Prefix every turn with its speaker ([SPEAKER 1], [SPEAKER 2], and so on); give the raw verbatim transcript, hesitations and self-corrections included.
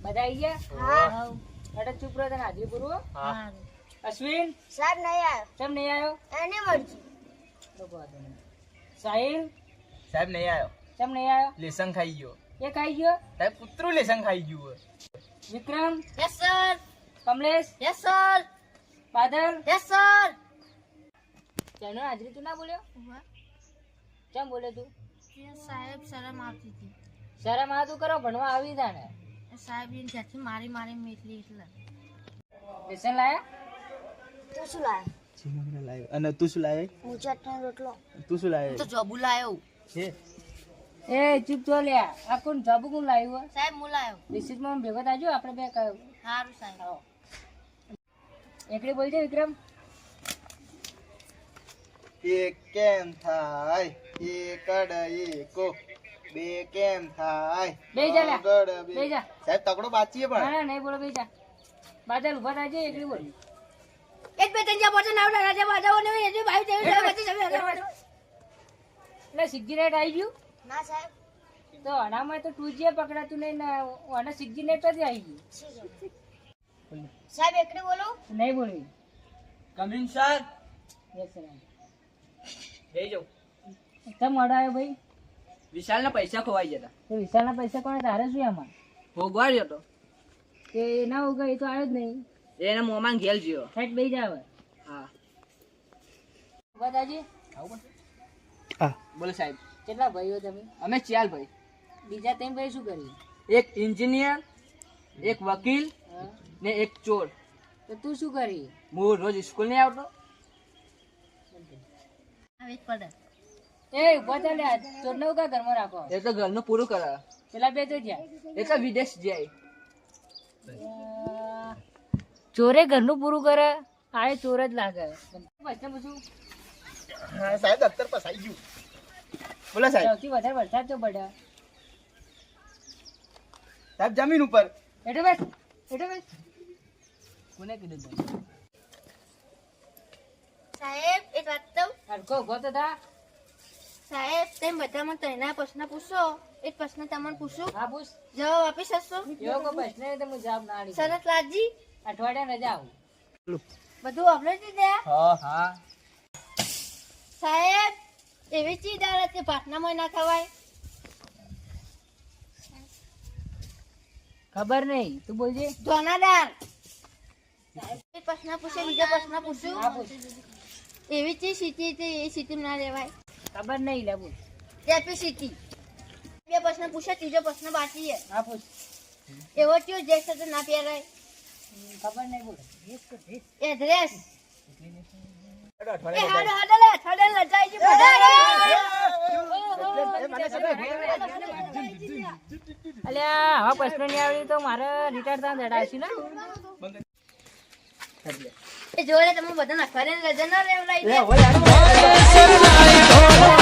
[SPEAKER 1] બધા આવી ગયા?
[SPEAKER 2] હા.
[SPEAKER 1] અરે ચૂપ રહો તને હાજરી પૂરું.
[SPEAKER 2] હા.
[SPEAKER 1] અશ્વિન
[SPEAKER 2] સાહેબ નહીં આવ્યો.
[SPEAKER 1] કેમ નહીં આવ્યો?
[SPEAKER 2] એની મરજી.
[SPEAKER 1] તો વાંધો નહીં. સાહિલ
[SPEAKER 3] સાહેબ નહીં આવ્યો.
[SPEAKER 1] કેમ નહીં આવ્યો?
[SPEAKER 3] લેસન ખાઈ ગયો.
[SPEAKER 1] એ ખાઈ ગયો?
[SPEAKER 3] સાહેબ કૂતરું લેસન ખાઈ ગયું.
[SPEAKER 1] Vikram
[SPEAKER 2] yes sir.
[SPEAKER 1] Kamlesh
[SPEAKER 2] yes sir.
[SPEAKER 1] Badal
[SPEAKER 2] yes sir.
[SPEAKER 1] તેનો હાજરી તું ના બોલ્યો? કેમ બોલે તું?
[SPEAKER 2] સાહેબ શરમ આવતી હતી.
[SPEAKER 1] શરમ આ તું કરો ભણવા આવી તા ને.
[SPEAKER 2] સાહેબ એની સાથે મારી મારી મેટલી એટલે.
[SPEAKER 1] લેસન લાયા?
[SPEAKER 2] તું શું લાયો?
[SPEAKER 3] અને તું શું લાવે?
[SPEAKER 2] હું ચટણી રોટલો.
[SPEAKER 3] તું શું લાવે?
[SPEAKER 2] તો જોબુ લાયો.
[SPEAKER 3] છે
[SPEAKER 1] એ ચૂપ તો લ્યા. આ કોણ જાબુ કોણ લાવ્યું?
[SPEAKER 2] સાહેબ હું લાયો.
[SPEAKER 1] રિસીટમાં ભેગો થાજો આપણે બે કહ્યું.
[SPEAKER 2] સારું સાહેબ.
[SPEAKER 1] આવો. એકડી બોલજે વિક્રમ.
[SPEAKER 3] એક કેમ થાય? એકડ એકો બે કેમ થાય?
[SPEAKER 1] બે જા લ્યા.
[SPEAKER 3] આગળ બે.
[SPEAKER 1] બે જા.
[SPEAKER 3] સાહેબ તકડો બાચીએ
[SPEAKER 1] ના
[SPEAKER 3] પણ.
[SPEAKER 1] ના નહીં બોલો બે જા. બાદલ ઉભા થાજે એકડી બોલ.
[SPEAKER 2] એક બે ત્રણ ચાર પાંચ છ નવ દસ બાજાઓ ને એ ભાઈ દેવી પછી જમે.
[SPEAKER 1] એટલે સિગ્નેટ આવી ગયું
[SPEAKER 2] ના સાહેબ.
[SPEAKER 1] તો આનામાં તો ટુ જી પકડાતું નહીં ને આના સિગ્નેટ જ આવી ગયું.
[SPEAKER 2] સાહેબ એકડી બોલો.
[SPEAKER 1] નહીં બોલવી.
[SPEAKER 3] Coming sir.
[SPEAKER 1] Yes sir.
[SPEAKER 3] જઈ જાઉં.
[SPEAKER 1] કેમ મોડો આવ્યો ભાઈ?
[SPEAKER 3] વિશાલ ના પૈસા ખોવાઈ જતા.
[SPEAKER 1] તો વિશાલના પૈસા કોણે તારે શું આમાં?
[SPEAKER 3] ભોગવાડ્યો તો
[SPEAKER 1] કે ના ઉગા એ તો આવ્યો જ નહીં.
[SPEAKER 3] એને મોમાં ઘેલ જ્યો.
[SPEAKER 1] સાઈડ બેસી જા હવે.
[SPEAKER 3] હા
[SPEAKER 1] ઉભા થાજે.
[SPEAKER 3] હા બોલો સાહેબ.
[SPEAKER 1] કેટલા ભાઈઓ તમે?
[SPEAKER 3] અમે ચાલ ભાઈ.
[SPEAKER 1] બીજા ત્રણ ભાઈ શું કર્યું?
[SPEAKER 3] એક એન્જિનિયર, એક વકીલ
[SPEAKER 1] હા?
[SPEAKER 3] ને એક ચોર.
[SPEAKER 1] તો તું શું કરી?
[SPEAKER 3] હું રોજ સ્કૂલ નહીં આવતો.
[SPEAKER 2] આવે પડે.
[SPEAKER 1] એ ઉભા થા લ્યા. ચોરને ઉગા ઘરમાં રાખો.
[SPEAKER 3] એ તો ઘરનું પૂરું કરે.
[SPEAKER 1] પેલા બે તો જ્યાં
[SPEAKER 3] એ તો વિદેશ જાય.
[SPEAKER 1] ચોરે ઘરનું પૂરું કરે. આ એ ચોર જ લાગે. પ્રશ્ન પૂછું?
[SPEAKER 3] હા સાહેબ દફતર પસાઈ ગયું. બોલો સાહેબ.
[SPEAKER 1] સૌથી વધારે વરસાદ તો પડ્યો.
[SPEAKER 3] સાહેબ જમીન ઉપર.
[SPEAKER 1] એટો બેસ એટો બેસ. કોને કીધું તને?
[SPEAKER 2] સાહેબ એક વાત તો
[SPEAKER 1] હરખો ઉભો તો થા.
[SPEAKER 2] સાહેબ તેમ બધામાં ત્રણના પ્રશ્ન પૂછો. એક પ્રશ્ન તમને પૂછું.
[SPEAKER 1] હા પૂછ.
[SPEAKER 2] જવાબ આપી શકશો?
[SPEAKER 1] એવો કોઈ પ્રશ્ન નહીં તો હું જવાબ ના આલી.
[SPEAKER 2] સરસ લાજી.
[SPEAKER 1] અઠવાડિયા રજા આવું.
[SPEAKER 2] બધું આપણે જ દે.
[SPEAKER 3] હા હા.
[SPEAKER 2] સાહેબ એવી ચીજ આવે કે ભાતનામાં ના ખવાય.
[SPEAKER 1] ખબર નહીં તું બોલજે.
[SPEAKER 2] ધોનાદાર. સાહેબ એક પ્રશ્ન પૂછે બીજો પ્રશ્ન
[SPEAKER 1] હા
[SPEAKER 2] પૂછું.
[SPEAKER 1] પૂછ.
[SPEAKER 2] એવી ચીજ સીટી છે એ સીટી ના લેવાય.
[SPEAKER 1] ખબર નહીં લે બોલ.
[SPEAKER 2] કેપેસિટી. બે પ્રશ્ન પૂછે ત્રીજો પ્રશ્ન બાકી છે.
[SPEAKER 1] હા પૂછ.
[SPEAKER 2] એવો ચીજ જે સાથે ના પહેરાય.
[SPEAKER 1] ખબર નહીં બોલ.
[SPEAKER 2] એડ્રેસ. એ
[SPEAKER 3] અઠવાડિયે
[SPEAKER 2] હાડો હાડો લે હાડો લજાઈ જી
[SPEAKER 1] અલ્યા હવે પ્રશ્ન નહીં આવડી તો મારે રિટાયર થવા દડાશી ને.
[SPEAKER 2] એ જોડે તમે બધા નખવાને લજા ના રેવલાઈ દે.
[SPEAKER 3] એ હોય